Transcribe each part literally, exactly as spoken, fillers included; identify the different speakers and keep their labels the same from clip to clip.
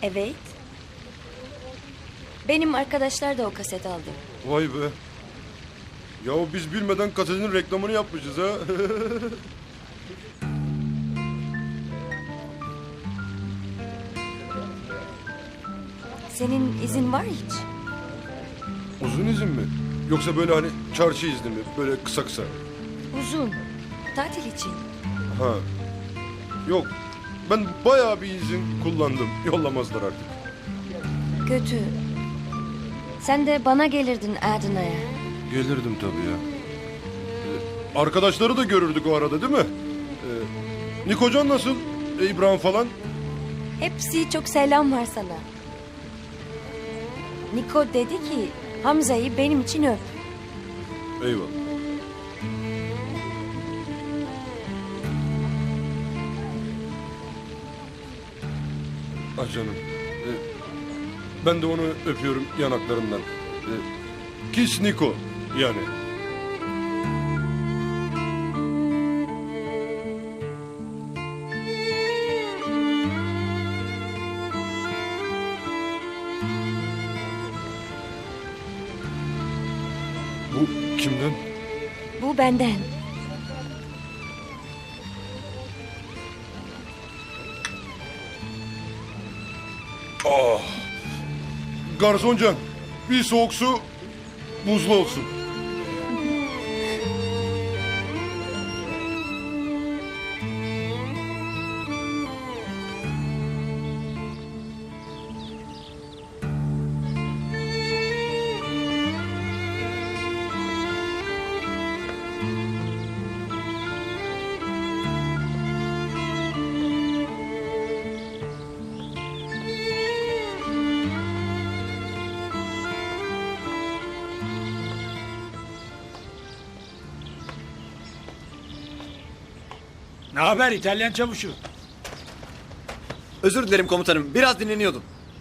Speaker 1: Evet. Benim arkadaşlar da o kaset aldı.
Speaker 2: Vay be. Yahu biz bilmeden kasetin reklamını yapmışız ha.
Speaker 1: Senin izin var hiç?
Speaker 2: Uzun izin mi? Yoksa böyle hani çarşı izni mi? Böyle kısa kısa.
Speaker 1: Uzun. Tatil için.
Speaker 2: Ha. Yok. Ben bayağı bir izin kullandım. Yollamazlar artık.
Speaker 1: Kötü. Sen de bana gelirdin Adana'ya.
Speaker 2: Gelirdim tabii ya. Ee, arkadaşları da görürdük o arada değil mi? Ee, Nikocan nasıl? Ee, İbrahim falan?
Speaker 1: Hepsi çok selam var sana. Niko dedi ki Hamza'yı benim için öp.
Speaker 2: Eyvallah. Ah canım. Ee, ben de onu öpüyorum yanaklarından. Ee, Kiss Niko yani. Bu kimden?
Speaker 1: Bu benden.
Speaker 2: Ah. Garsoncan, bir soğuk su buzlu olsun.
Speaker 3: Ne haber İtalyan çavuşu?
Speaker 4: Özür dilerim komutanım. Biraz dinleniyordum.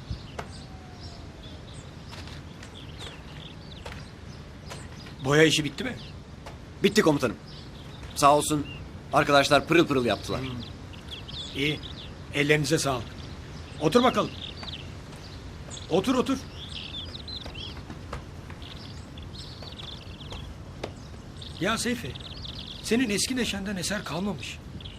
Speaker 3: Boya işi bitti mi?
Speaker 4: Bitti komutanım. Sağ olsun arkadaşlar pırıl pırıl yaptılar.
Speaker 3: İyi. Ellerinize sağlık. Otur bakalım. Otur otur. Ya Seyfi, senin eski neşenden eser kalmamış.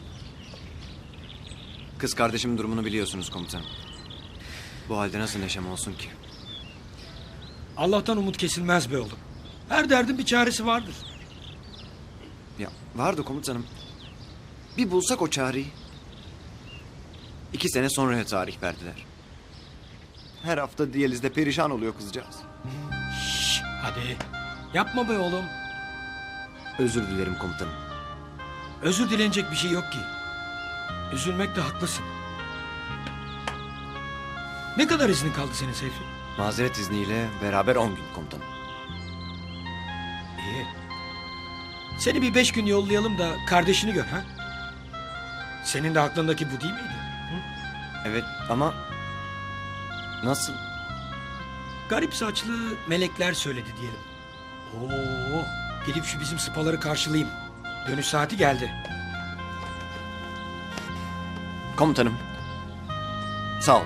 Speaker 4: Kız kardeşimin durumunu biliyorsunuz komutanım. Bu halde nasıl neşem olsun ki?
Speaker 3: Allah'tan umut kesilmez be oğlum. Her derdin bir çaresi vardır.
Speaker 4: Ya vardı komutanım. Bir bulsak o çareyi. İki sene sonraya tarih verdiler. Her hafta diyalizde perişan oluyor kızcağız.
Speaker 3: Şş, hadi. Yapma be oğlum.
Speaker 4: Özür dilerim komutanım.
Speaker 3: Özür dilenecek bir şey yok ki. Üzülmekte haklısın. Ne kadar iznin kaldı senin Seyfi?
Speaker 4: Mazeret izniyle beraber on gün komutanım.
Speaker 3: İyi. Seni bir beş gün yollayalım da kardeşini gör ha? Senin de aklındaki bu değil miydi? Hı?
Speaker 4: Evet ama... Nasıl?
Speaker 3: Garip saçlı melekler söyledi diyelim. Oo, gelip şu bizim sıpaları karşılayayım. Dönüş saati geldi.
Speaker 4: Komutanım. Sağ ol.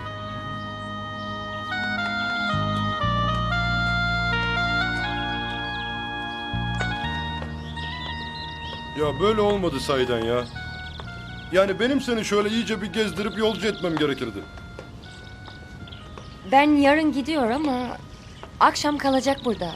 Speaker 2: Ya böyle olmadı sahiden ya. Yani benim seni şöyle iyice bir gezdirip yolcu etmem gerekirdi.
Speaker 1: Ben yarın gidiyor ama akşam kalacak burada.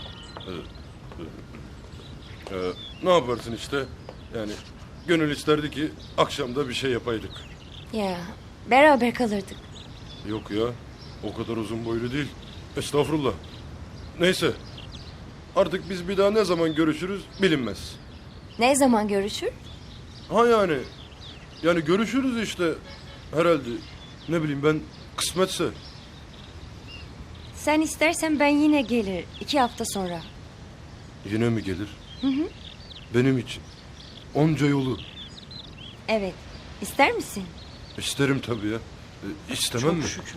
Speaker 2: Ee, ne yaparsın işte? Yani gönül isterdi ki akşamda bir şey yapaydık.
Speaker 1: Ya beraber kalırdık.
Speaker 2: Yok ya, o kadar uzun boylu değil. Estağfurullah. Neyse, artık biz bir daha ne zaman görüşürüz bilinmez.
Speaker 1: Ne zaman görüşür?
Speaker 2: Ha yani, yani görüşürüz işte herhalde. Ne bileyim ben, kısmetse.
Speaker 1: Sen istersen ben yine gelir iki hafta sonra.
Speaker 2: Yine mi gelir?
Speaker 1: Hı hı.
Speaker 2: Benim için. Onca yolu.
Speaker 1: Evet. İster misin?
Speaker 2: İsterim tabii ya. E, istemem
Speaker 3: Çok
Speaker 2: mi?
Speaker 3: şükür.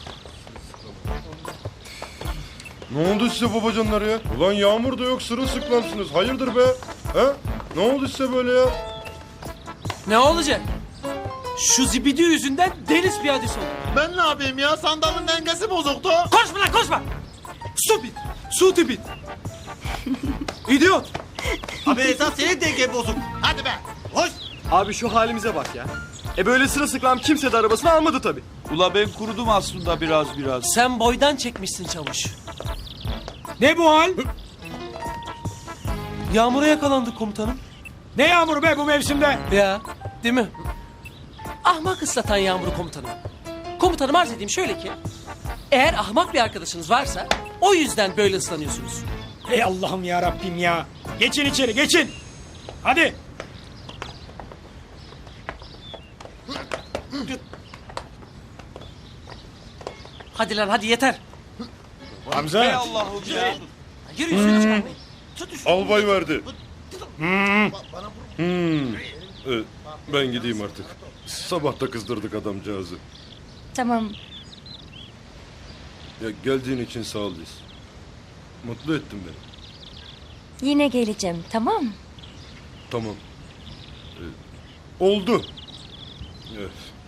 Speaker 2: Ne oldu size babacanlar ya? Ulan yağmur da yok, sırılsıklamsınız. Hayırdır be? Ha? Ne oldu size böyle ya?
Speaker 5: Ne olacak? Şu zibidi yüzünden deniz piyadesi oldu.
Speaker 6: Ben ne yapayım ya? Sandalın dengesi bozuktu.
Speaker 5: Konuşma lan konuşma. Stupid. Stupid. İdiot.
Speaker 6: Abi esas senin dengen bozuk. Hadi be. Hoş.
Speaker 7: Abi şu halimize bak ya. E böyle sırılsıklam kimse de arabasını almadı tabii.
Speaker 8: Ula ben kurudum aslında biraz biraz.
Speaker 5: Sen boydan çekmişsin çavuş.
Speaker 3: Ne bu hal?
Speaker 5: Yağmura yakalandık komutanım.
Speaker 3: Ne yağmuru be bu mevsimde?
Speaker 5: Ya değil mi? Ahmak ıslatan yağmuru komutanım. Komutanım arz edeyim şöyle ki. Eğer ahmak bir arkadaşınız varsa o yüzden böyle ıslanıyorsunuz.
Speaker 3: Ey Allah'ım ya Rabbim ya. Geçin içeri geçin. Hadi.
Speaker 5: Hadi lan hadi yeter.
Speaker 3: Hamza.
Speaker 8: Ey Allah'ım ya.
Speaker 5: Yürü üstüne çıkarmayın. Tut üstüne.
Speaker 2: Albay verdi. Hmm. Evet, ben gideyim artık. Sabah da kızdırdık adamcağızı.
Speaker 1: Tamam.
Speaker 2: Ya geldiğin için sağ ol Liz. Mutlu ettin beni.
Speaker 1: Yine geleceğim, tamam mı?
Speaker 2: Tamam. Ee, oldu. Evet.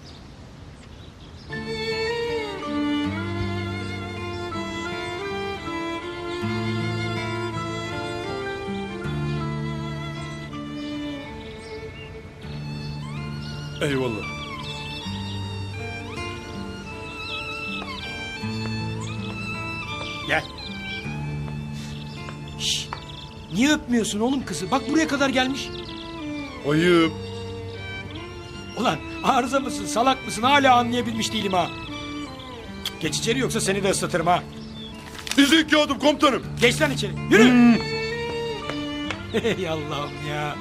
Speaker 2: Eyvallah.
Speaker 3: Gel. Şş, niye öpmüyorsun oğlum kızı? Bak buraya kadar gelmiş.
Speaker 2: Ayıp.
Speaker 3: Ulan arıza mısın salak mısın hala anlayabilmiş değilim ha. Geç içeri yoksa seni de ıslatırım ha.
Speaker 2: Dizi iki adım komutanım.
Speaker 3: Geç lan içeri yürü. Ey Allah'ım ya.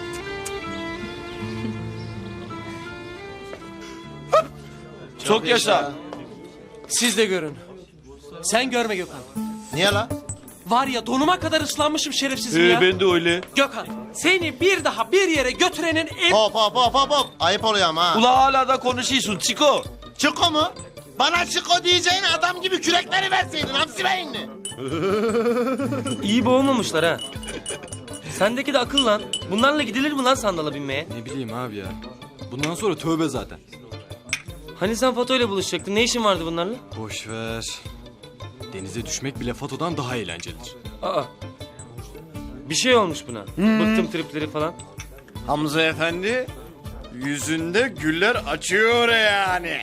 Speaker 8: Çok yaşa.
Speaker 5: Siz de görün. Sen görme Gökhan.
Speaker 6: Niye la?
Speaker 5: Var ya donuma kadar ıslanmışım şerefsizim ya.
Speaker 8: Ee, ben de öyle.
Speaker 5: Gökhan seni bir daha bir yere götürenin en...
Speaker 6: Hop hop hop hop hop. Ayıp oluyor ama ha.
Speaker 8: Ula hala da konuşuyorsun Çiko.
Speaker 6: Çiko mu? Bana Çiko diyeceğin adam gibi kürekleri verseydin hamsi beyinli.
Speaker 9: İyi boğulmamışlar ha. Sendeki de akıl lan. Bunlarla gidilir mi lan sandala binmeye?
Speaker 7: Ne bileyim abi ya. Bundan sonra tövbe zaten.
Speaker 9: Hani sen Fato ile buluşacaktın? Ne işin vardı bunlarla?
Speaker 7: Boş ver. Denize düşmek bile Fato'dan daha eğlencelidir.
Speaker 9: Aa. Bir şey olmuş buna. Bıktım tripleri falan.
Speaker 4: Hamza efendi yüzünde güller açıyor yani.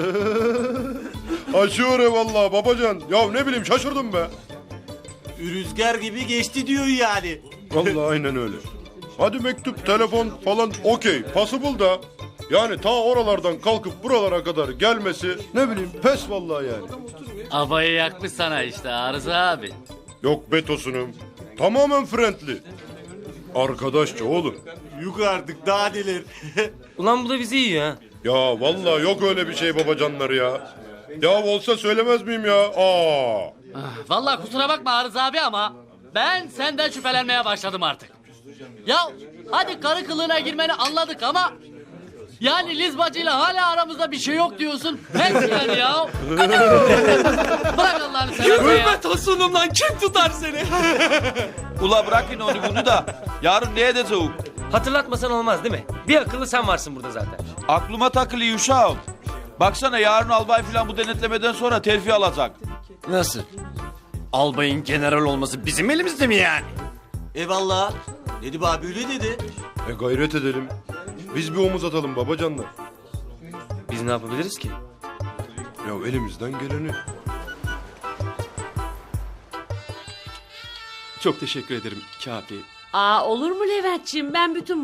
Speaker 2: Açıyor eyvallah babacan. Ya ne bileyim şaşırdım be.
Speaker 6: Rüzgar gibi geçti diyor yani.
Speaker 2: Vallahi aynen öyle. Hadi mektup, telefon falan okey. Possible da. Yani ta oralardan kalkıp buralara kadar gelmesi ne bileyim pes vallahi yani.
Speaker 10: Abayı yakmış sana işte Arıza abi.
Speaker 2: Yok betosunum. Tamamen friendly. Arkadaşça oğlum.
Speaker 6: Yok artık daha delir.
Speaker 9: Ulan bu da bizi yiyor ha.
Speaker 2: Ya vallahi yok öyle bir şey babacanlar ya. Ya olsa söylemez miyim ya? Aa.
Speaker 10: Vallahi kusura bakma Arıza abi ama ben senden şüphelenmeye başladım artık. Ya hadi karı kılığına girmeni anladık ama yani Liz bacıyla hala aramızda bir şey yok diyorsun. Pes yani ya. Bırak Allah'ını seversen ya.
Speaker 5: Gülme tosunum lan kim tutar seni?
Speaker 8: Ula bırakın onu bunu da. Yarın neye de soğuk.
Speaker 9: Hatırlatmasan olmaz değil mi? Bir akıllı sen varsın burada zaten.
Speaker 8: Aklıma takılıyor uşağım. Baksana yarın albay filan bu denetlemeden sonra terfi alacak.
Speaker 4: Nasıl? Albayın general olması bizim elimizde mi yani?
Speaker 6: Eyvallah. Nedip abi öyle dedi.
Speaker 2: E gayret edelim. Biz bir omuz atalım babacanlar.
Speaker 9: Biz ne yapabiliriz ki?
Speaker 2: Ya elimizden geleni.
Speaker 7: Çok teşekkür ederim Kafi.
Speaker 11: Aa olur mu Leventciğim? Ben bütün